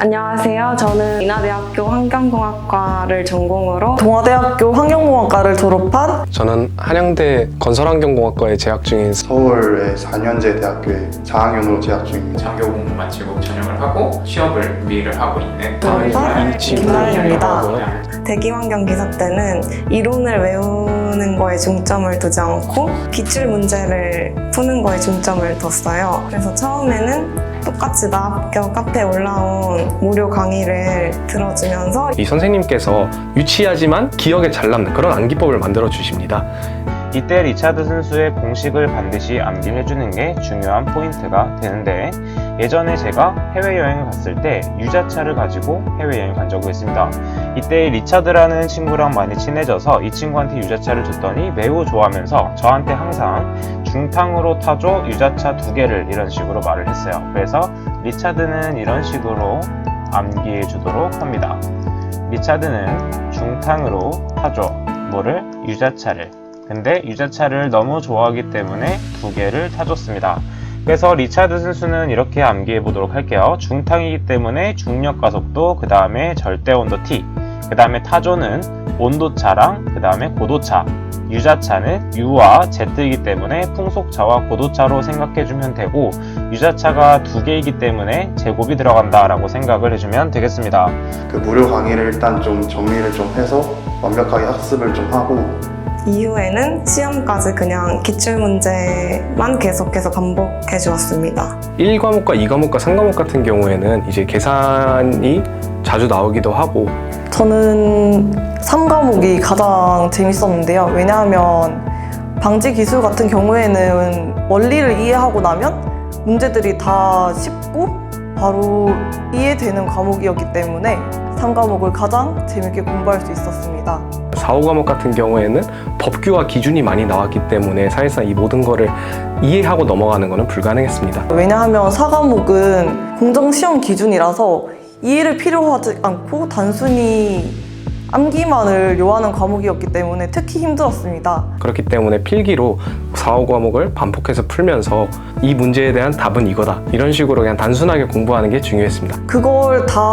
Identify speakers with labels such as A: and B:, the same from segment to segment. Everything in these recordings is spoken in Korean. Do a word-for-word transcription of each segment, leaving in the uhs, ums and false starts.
A: 안녕하세요. 저는 인하대학교 환경공학과를 전공으로
B: 동아대학교 환경공학과를 졸업한
C: 저는 한양대 건설환경공학과에 재학 중인
D: 서울의 사 년제 대학교에 사 학년으로 재학 중입니다.
E: 장교 공부 마치고 전역을 하고 취업을 준비를 하고 있는
B: 돌발 김나희입니다.
A: 대기환경 기사 때는 이론을 외우는 거에 중점을 두지 않고 기출 문제를 푸는 거에 중점을 뒀어요. 그래서 처음에는 똑같이 나학교 카페에 올라온 무료 강의를 들어주면서
C: 이 선생님께서 유치하지만 기억에 잘 남는 그런 암기법을 만들어 주십니다.
F: 이때 리차드 선수의 공식을 반드시 암기를 해주는 게 중요한 포인트가 되는데, 예전에 제가 해외여행을 갔을 때 유자차를 가지고 해외여행 간 적이 있습니다. 이때 리차드라는 친구랑 많이 친해져서 이 친구한테 유자차를 줬더니 매우 좋아하면서 저한테 항상 중탕으로 타줘 유자차 두 개를 이런 식으로 말을 했어요. 그래서 리차드는 이런 식으로 암기해 주도록 합니다. 리차드는 중탕으로 타줘 뭐를? 유자차를. 근데 유자차를 너무 좋아하기 때문에 두 개를 타줬습니다. 그래서 리차드 선수는 이렇게 암기해 보도록 할게요. 중탕이기 때문에 중력 가속도, 그 다음에 절대 온도 T, 그 다음에 타조는 온도차랑 그 다음에 고도차, 유자차는 U와 Z이기 때문에 풍속차와 고도차로 생각해주면 되고, 유자차가 두 개이기 때문에 제곱이 들어간다 라고 생각을 해주면 되겠습니다.
D: 그 무료 강의를 일단 좀 정리를 좀 해서 완벽하게 학습을 좀 하고,
A: 이후에는 시험까지 그냥 기출문제만 계속해서 반복해 주었습니다.
C: 일 과목과 이 과목과 삼 과목 같은 경우에는 이제 계산이 자주 나오기도 하고,
B: 저는 삼 과목이 가장 재밌었는데요. 왜냐하면 방지 기술 같은 경우에는 원리를 이해하고 나면 문제들이 다 쉽고 바로 이해되는 과목이었기 때문에 삼 과목을 가장 재밌게 공부할 수 있었습니다.
C: 사, 오 과목 같은 경우에는 법규와 기준이 많이 나왔기 때문에 사실상 이 모든 거를 이해하고 넘어가는 것은 불가능했습니다.
B: 왜냐하면 사 과목은 공정시험 기준이라서 이해를 필요하지 않고 단순히 암기만을 요하는 과목이었기 때문에 특히 힘들었습니다.
C: 그렇기 때문에 필기로 사, 오 과목을 반복해서 풀면서 이 문제에 대한 답은 이거다, 이런 식으로 그냥 단순하게 공부하는 게 중요했습니다.
B: 그걸 다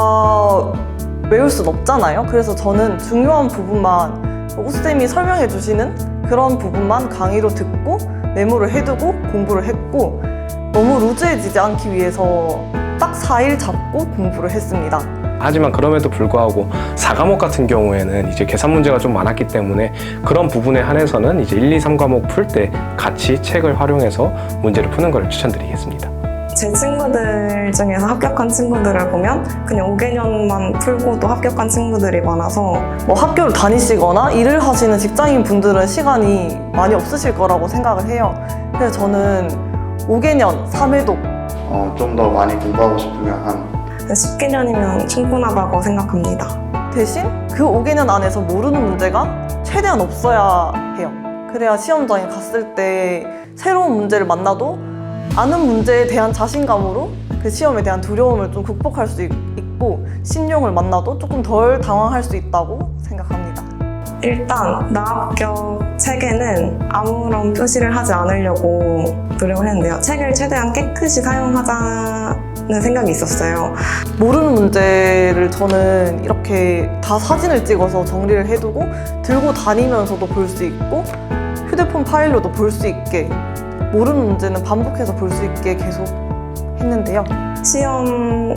B: 외울 순 없잖아요. 그래서 저는 중요한 부분만 오쌤이 설명해 주시는 그런 부분만 강의로 듣고 메모를 해두고 공부를 했고, 너무 루즈해지지 않기 위해서 딱 사 일 잡고 공부를 했습니다.
C: 하지만 그럼에도 불구하고 사 과목 같은 경우에는 이제 계산 문제가 좀 많았기 때문에 그런 부분에 한해서는 이제 일, 이, 삼 과목 풀 때 같이 책을 활용해서 문제를 푸는 걸 추천드리겠습니다.
A: 제 친구들 중에서 합격한 친구들을 보면 그냥 오 개년만 풀고도 합격한 친구들이 많아서
B: 뭐 학교를 다니시거나 일을 하시는 직장인 분들은 시간이 많이 없으실 거라고 생각을 해요. 그래서 저는 오 개년, 삼 회독
D: 어, 좀 더 많이 공부하고 싶으면 한
A: 십 개년이면 충분하다고 생각합니다.
B: 대신 그 오 개년 안에서 모르는 문제가 최대한 없어야 해요. 그래야 시험장에 갔을 때 새로운 문제를 만나도 아는 문제에 대한 자신감으로 그 시험에 대한 두려움을 좀 극복할 수 있고, 신용을 만나도 조금 덜 당황할 수 있다고 생각합니다.
A: 일단 나합격 책에는 아무런 표시를 하지 않으려고 노력을 했는데요. 책을 최대한 깨끗이 사용하자는 생각이 있었어요.
B: 모르는 문제를 저는 이렇게 다 사진을 찍어서 정리를 해두고 들고 다니면서도 볼 수 있고 휴대폰 파일로도 볼 수 있게, 모르는 문제는 반복해서 볼 수 있게 계속 했는데요.
A: 시험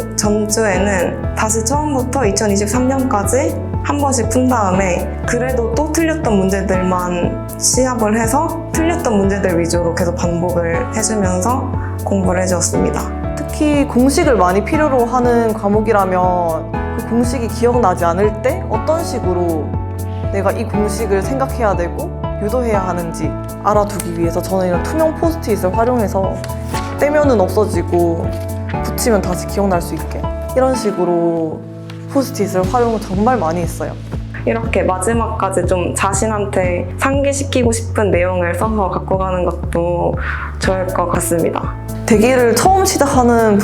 A: 전주에는 다시 처음부터 이천이십삼 년까지 한 번씩 푼 다음에 그래도 또 틀렸던 문제들만 시합을 해서 틀렸던 문제들 위주로 계속 반복을 해주면서 공부를 해주었습니다.
B: 특히 공식을 많이 필요로 하는 과목이라면 그 공식이 기억나지 않을 때 어떤 식으로 내가 이 공식을 생각해야 되고 유도해야 하는지 알아두기 위해서 저는 이런 투명 포스트잇을 활용해서 떼면은 없어지고 붙이면 다시 기억날 수 있게 이런 식으로 포스트잇을 활용을 정말 많이 했어요.
A: 이렇게 마지막까지 좀 자신한테 상기시키고 싶은 내용을 써서 갖고 가는 것도 좋을 것 같습니다.
B: 대기를 처음 시작하는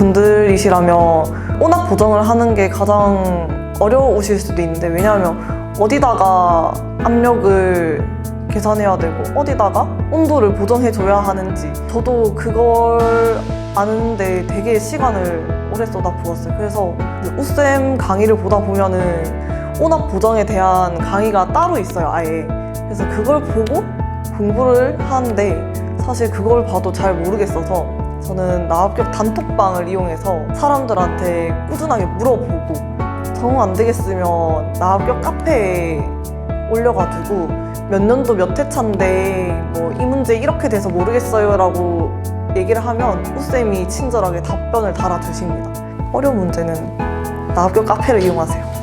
B: 분들이시라면 온합 보정을 하는 게 가장 어려우실 수도 있는데, 왜냐하면 어디다가 압력을 계산해야 되고 어디다가 온도를 보정해줘야 하는지 저도 그걸 아는데 되게 시간을 오래 쏟아부었어요. 그래서 우쌤 강의를 보다 보면은 온압 보정에 대한 강의가 따로 있어요, 아예. 그래서 그걸 보고 공부를 하는데 사실 그걸 봐도 잘 모르겠어서 저는 나합격 단톡방을 이용해서 사람들한테 꾸준하게 물어보고 정 안 되겠으면 나합격 카페에 올려가지고 몇 년도 몇 회차인데 뭐 이 문제 이렇게 돼서 모르겠어요 라고 얘기를 하면 우쌤이 친절하게 답변을 달아주십니다. 어려운 문제는 나합격 카페를 이용하세요.